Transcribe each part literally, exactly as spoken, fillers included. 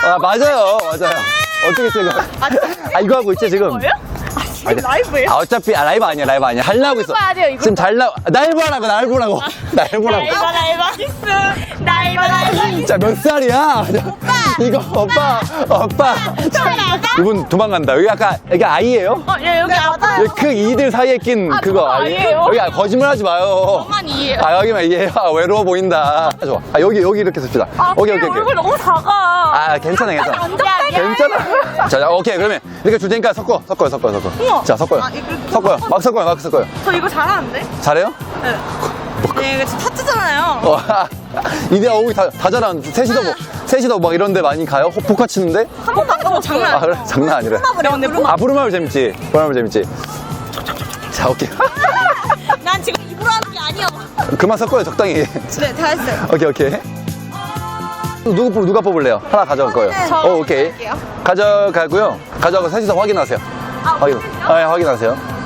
아, 맞아요. 맞아요. 어떻게 했어요, 이거? 아, 이거 하고 있지, 지금? 뭐예요? 아, 지금 라이브예요? 아, 어차피, 아, 라이브 아니야, 라이브 아니야. 하려고 있어. 봐야 돼요, 이거. 지금 잘 나, 날 보라고, 날 보라고. 날 보라고. 나이바 나이바 키스 나이바 나이바 키스 자, 몇 살이야? 오빠! 이거, 오빠, 오빠. 이분 도망간다. 여기 아까, 여기 아이예요? 어, 예, 여기 아빠 여기 그 이들 사이에 낀 아, 그거 저거 아니에요? 아니에요? 여기 아, 거짓말 하지 마요. 저만 이해요. 아, 여기만 이해요. 아, 외로워 보인다. 아, 좋아. 아, 여기, 여기 이렇게 씁시다. 아, 오케이, 그래, 오케이, 얼굴 오케이. 너무 작아. 아, 괜찮아, 괜찮아. 야, 괜찮아. 자, 자, 오케이. 그러면 이렇게 줄 테니까 섞어. 섞어요, 섞어요, 섞어. 우와. 자, 섞어요. 아, 이거 이렇게 섞어요. 막 섞어요, 막 섞어요. 저 이거 잘하는데? 잘해요? 네. 네, 이거 진짜 타투잖아요. 어, 이대 오기 다, 다 잘하는. 셋이서 뭐, 셋이서 막 이런 데 많이 가요? 호- 포카 치는데? 한 번도 안 가서 장난 아, 그래? 장난 아니래. 근데 뭐, 아, 부르마블 재밌지? 부르마블 재밌지? 자, 오케이. 난 지금 입으로 하는 게 아니야. 그만 섞어요, 적당히. 네, 다 했어요. 오케이, 오케이. 누구, 뽑- 누가 뽑을래요? 하나 가져갈 거예요. 저 어, 오케이. 할게요. 가져가고요. 가져가고 셋이서 확인하세요. 확인. 아, 예, 확인하세요.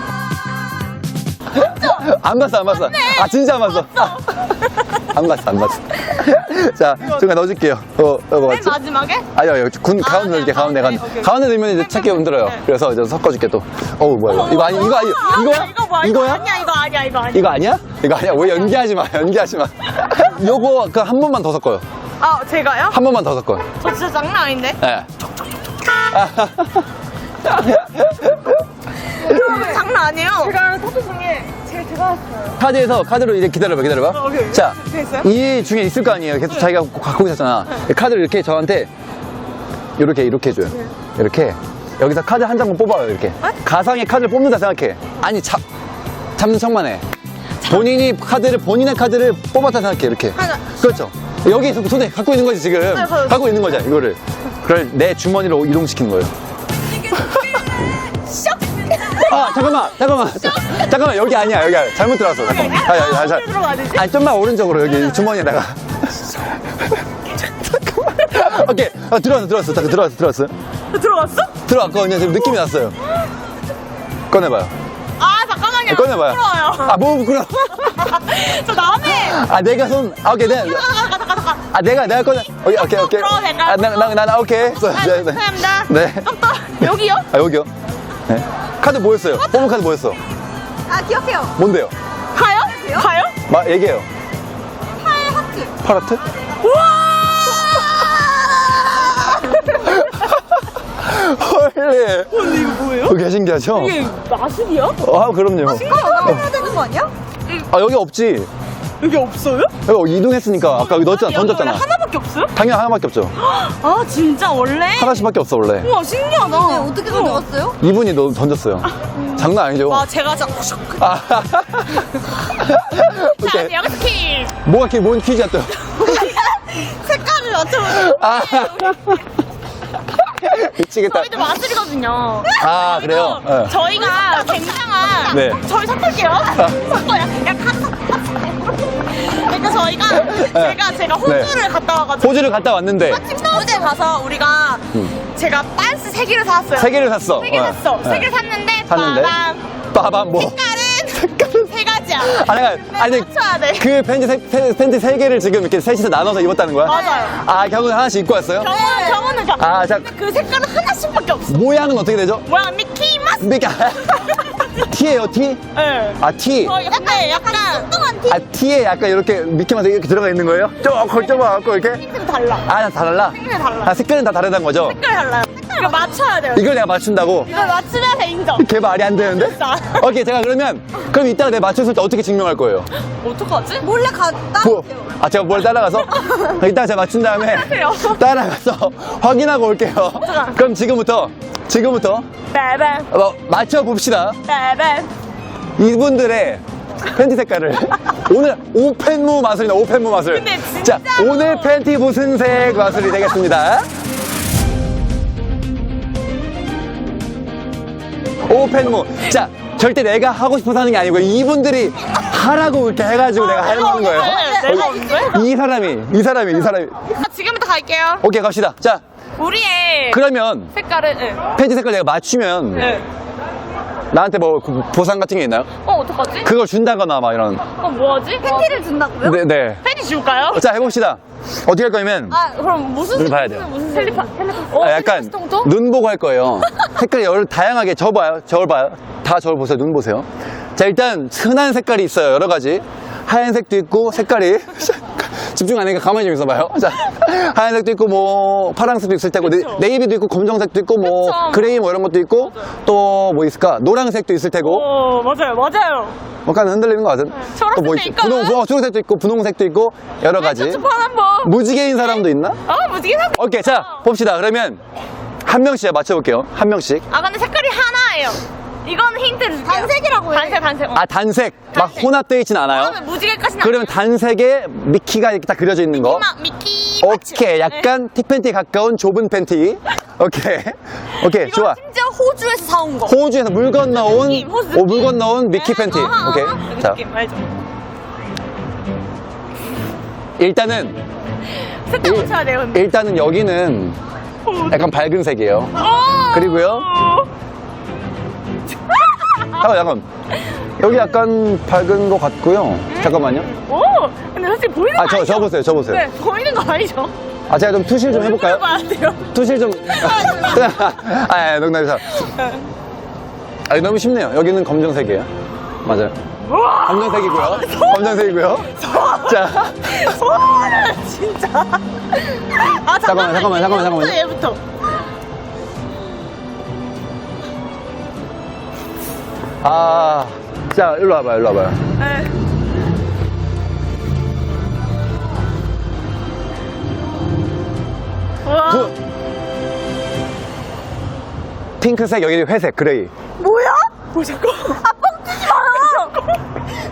안 봤어, 안 봤어. 아, 진짜 안 봤어. 안 봤어, 안 봤어. 자, 중간 넣어줄게요. 어, 이거 맨 맞지? 마지막에? 아니요, 여기 군, 아, 가운데 네, 넣을게, 가운데, 가운데. 가운데. 오케이. 가운데 넣으면 이제 찾기 힘들어요. 네. 그래서 이제 섞어줄게 또. 어우, 뭐야, 이거. 이거 아니, 이거 아니, 이거야? 이거 뭐야? 이거 이거야? 아니야, 이거 아니야, 이거 아니야. 이거 아니야? 이거 아니야? 왜 연기하지 마, 연기하지 마. 요거, 그 한 번만 더 섞어요. 아, 제가요? 한 번만 더 섞어요. 저 진짜 장난 아닌데? 예. 장난 아니에요? 제가 타투 중에 제일 대단했어요. 카드에서 카드로 이제 기다려봐 기다려봐. 어, 오케이. 자, 됐어요? 이 중에 있을 거 아니에요. 계속 자기가 갖고 있었잖아. 카드를 이렇게 저한테 이렇게 이렇게 해줘요. 이렇게 여기서 카드 한 장만 뽑아요. 이렇게 가상의 카드를 뽑는다 생각해. 아니 잡 잡는 척만 해. 본인이 카드를 본인의 카드를 뽑았다 생각해. 이렇게. 하나. 그렇죠. 여기 손에 갖고 있는 거지 지금. 네, 네. 갖고 있는 거잖아 이거를. 그걸 내 주머니로 이동시키는 거예요. 아 잠깐만 잠깐만 잠깐만 여기 아니야 여기 아니야. 잘못 들어왔어 잠깐만. 아, 아, 아, 잘. 어디로 들어가야 되지? 아니 좀만 오른쪽으로 여기 주머니에다가. 잠깐만. 오케이 아, 들어왔어 들어왔어 잠깐 들어왔어 들어왔어 들어갔어? 들어왔거든요. 지금 느낌이 났어요. 꺼내봐요. 아, 잠깐만요. 꺼내봐요. 부끄러워요. 아 뭐 부끄러워. 저 남의. 아 내가 손 아, 오케이 내가 가자, 가자, 가자. 아 내가 내가 꺼내. 오케이 오케이 오케이. 부끄러워, 내가. 아나나 오케이. 아, 네, 네. 감사합니다. 네. 또, 여기요? 아 여기요. 네. 카드 뭐였어요? 뽑은 카드 뭐였어? 아, 기억해요. 뭔데요? 가요? 가요? 마 얘기해요. 팔 하트. 파라트? 우와! 헐리. 근데 이거 뭐예요? 되게 신기하죠? 이게 마술이야? 아 그럼요. 이거 해야 되는 거 아니야? 아 여기 없지. 여기 없어요? 여기 이동했으니까 아까 여기 넣었잖아. 여기 던졌잖아. 원래 하나밖에 없어요? 당연히 하나밖에 없죠. 아, 진짜 원래? 하나씩밖에 없어 원래. 우와, 신기하다. 어떻게 가져갔어요? 이분이 너 던졌어요. 장난 아니죠? 와, 제가 진짜 아. 자, 오케이. 여기서 퀴즈. 뭐가 키, 뭔 퀴즈야 또? 색깔을 맞춰보세요. 아. 미치겠다. 저희도 마술이거든요. 아 그래요? 그래서 네. 저희가 굉장한 네. 저희 섞을게요. 섞어요. 약간 그러니까 저희가 제가 제가 호주를 갔다 와가지고 호주를 갔다 왔는데 호주에 가서 우리가 제가 빤스 세 개를 사왔어요. 세 개를 샀어. 세 개 어. 샀어. 세 네. 개를 샀는데 샀는데? 빠밤. 빠밤 뭐? 색깔은 세 가지야. 아 내가 아니 맞춰야 돼. 그 팬티 세, 팬- 팬티 세 개를 지금 이렇게 셋이서 나눠서 입었다는 거야? 맞아요. 아 결국 하나씩 입고 왔어요? 경호는 경호는 경. 아, 자. 근데 그 색깔은 하나씩밖에 없어. 모양은 어떻게 되죠? 뭐야, 미키 마스. 그러니까 T예요 T? 네. 아 T. 어, 근데 약간 뚱뚱한 티. 아 T에 약간 이렇게 미키마우스 이렇게 들어가 있는 거예요? 조금 좁아갖고 이렇게? 색깔이 달라. 아, 다 달라? 색깔이 달라. 아, 색깔은 다 다르다는 거죠? 색깔이 달라요. 이거 맞춰야 돼요. 이걸 내가 맞춘다고? 이걸 맞추면서 인정. 걔 말이 안 되는데? 진짜. 오케이, 제가 그러면, 그럼 이따가 내가 맞췄을 때 어떻게 증명할 거예요? 어떡하지? 몰래 갔다. 뭐, 아, 제가 뭘 따라가서? 이따가 제가 맞춘 다음에 그래요. 따라가서 확인하고 올게요. 그럼 지금부터, 지금부터, 빼빼 어, 맞춰봅시다. 빼빼. 이분들의 팬티 색깔을. 오늘 오펜무 마술이다, 오펜무 마술. 근데 자, 진짜로. 오늘 팬티 무슨 색 마술이 되겠습니다. 오펜무. 자, 절대 내가 하고 싶어서 하는 게 아니고 이분들이 하라고 이렇게 해가지고 내가 하는 거예요. 네, 내가 언제? 이 사람이, 이 사람이, 이 사람이. 아, 지금부터 갈게요. 오케이, 갑시다. 자, 우리의 그러면 색깔은 네. 팬티 색깔 내가 맞추면 네. 나한테 뭐 보상 같은 게 있나요? 어, 어떡하지? 그걸 준다거나 막 이런. 어, 뭐하지? 팬티를 준다고요? 네, 네. 팬티 줄까요? 자, 해봅시다. 어떻게 할 거냐면 아 그럼 무슨 눈 봐야 돼요. 무슨 텔레파 텔레파 어, 아, 약간 정도? 눈 보고 할 거예요. 색깔이 여러 다양하게 저 봐요. 저걸 봐요. 다 저를 보세요. 눈 보세요. 자, 일단 흔한 색깔이 있어요. 여러 가지. 하얀색도 있고 색깔이 집중 안 하니까 가만히 좀 있어봐요. 자, 하얀색도 있고 뭐 파란색도 있을 테고 네, 네이비도 있고 검정색도 있고 뭐 그쵸. 그레이 뭐 이런 것도 있고 또 뭐 있을까? 노란색도 있을 테고 어 맞아요 맞아요. 약간 흔들리는 것 같은. 초록색도 또 뭐 있- 있거든. 분홍, 어, 초록색도 있고 분홍색도 있고 여러 가지. 초판 한번. 무지개인 사람도 있나? 아 무지개 사. 오케이, 자 봅시다. 그러면 한 명씩 맞춰볼게요. 한 명씩. 아 근데 색깔이 하나예요. 이건 힌트를 줄게요. 단색이라고 해. 단색 단색. 어. 아, 단색. 막 단색. 혼합되어 있진 않아요. 그러면 무지개까지는 그러면 단색에 미키가 이렇게 딱 그려져 있는 거. 막 미키. 오케이. 약간 틱팬티에 가까운 좁은 팬티. 오케이. 오케이. 이거 좋아. 심지어 호주에서 사온 거. 호주에서 물 건너온, 느낌, 호주 오, 물 느낌. 건너온 미키 네, 팬티. 어허, 오케이. 어허. 자, 느낌 알죠? 일단은, 색깔 일- 맞춰야 돼요. 근데. 일단은 여기는 약간 밝은 색이에요. 어. 그리고요. 잠깐, 잠깐. 여기 약간 밝은 것 같고요. 잠깐만요. 오. 근데 솔직히 보이는 거 아, 저, 아니죠? 저 보세요. 저 보세요. 네, 보이는 거 아니죠? 아, 제가 좀 투실 좀 해볼까요? 봐야 돼요. 투실 좀. 아, 아, 농담이다. 아, 너무 쉽네요. 여기는 검정색이에요. 맞아요. 우와. 검정색이고요. 검정색이고요. 자, 소는 진짜. 아 잠깐만, 잠깐만, 잠깐만, 잠깐만요. 얘부터. 아, 자, 일로 와봐요, 일로 와봐요. 네. 우와. 부, 핑크색, 여기 회색, 그레이. 뭐야? 뭐 잠깐. 아 뻥치지 마요.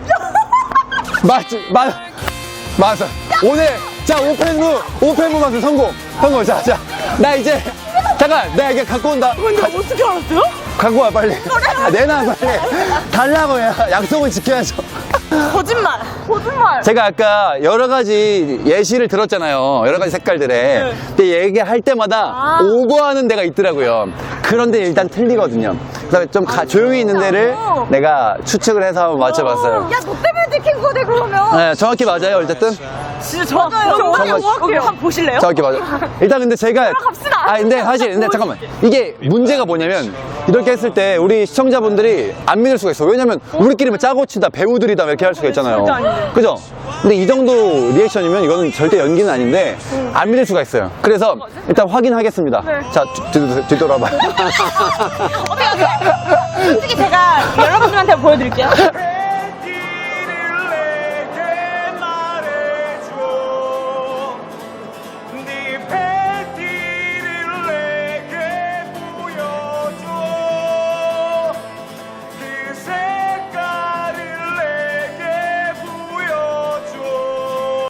맞지, 맞, 맞아. 오늘, 자, 오펜무, 오펜무 마술 성공. 성공, 자, 자. 나 이제, 잠깐, 내가 이게 갖고 온다. 근데 어떻게 알았어요? 갖고 와, 빨리. 아, 내놔, 빨리. 달라고 해. 약속을 지켜야죠. 거짓말. 거짓말. 제가 아까 여러 가지 예시를 들었잖아요. 여러 가지 색깔들에. 근데 얘기할 때마다 아. 오버하는 데가 있더라고요. 그런데 일단 틀리거든요. 그래서 좀 가- 조용히 있는 데를 내가 추측을 해서 한번 맞춰봤어요. 야, 너 때문에 들킨 거네, 그러면. 네, 정확히 맞아요, 어쨌든. 진짜 정확해요. 정확- 정확해요. 한번 보실래요? 정확히 맞아요. 일단 근데 제가. 갑시다. 아, 근데 사실, 근데 잠깐만. 이게 문제가 뭐냐면, 이렇게 했을 때 우리 시청자분들이 안 믿을 수가 있어요. 왜냐면 우리끼리만 짜고 친다, 배우들이다, 이렇게 할 수가 있잖아요. 절대 아닌데. 그죠? 근데 이 정도 리액션이면 이거는 절대 연기는 아닌데, 안 믿을 수가 있어요. 그래서 일단 확인하겠습니다. 네. 자, 뒤- 뒤- 뒤돌아봐요. 어떻게, 어떻게. 솔직히 제가 여러분들한테 보여드릴게요.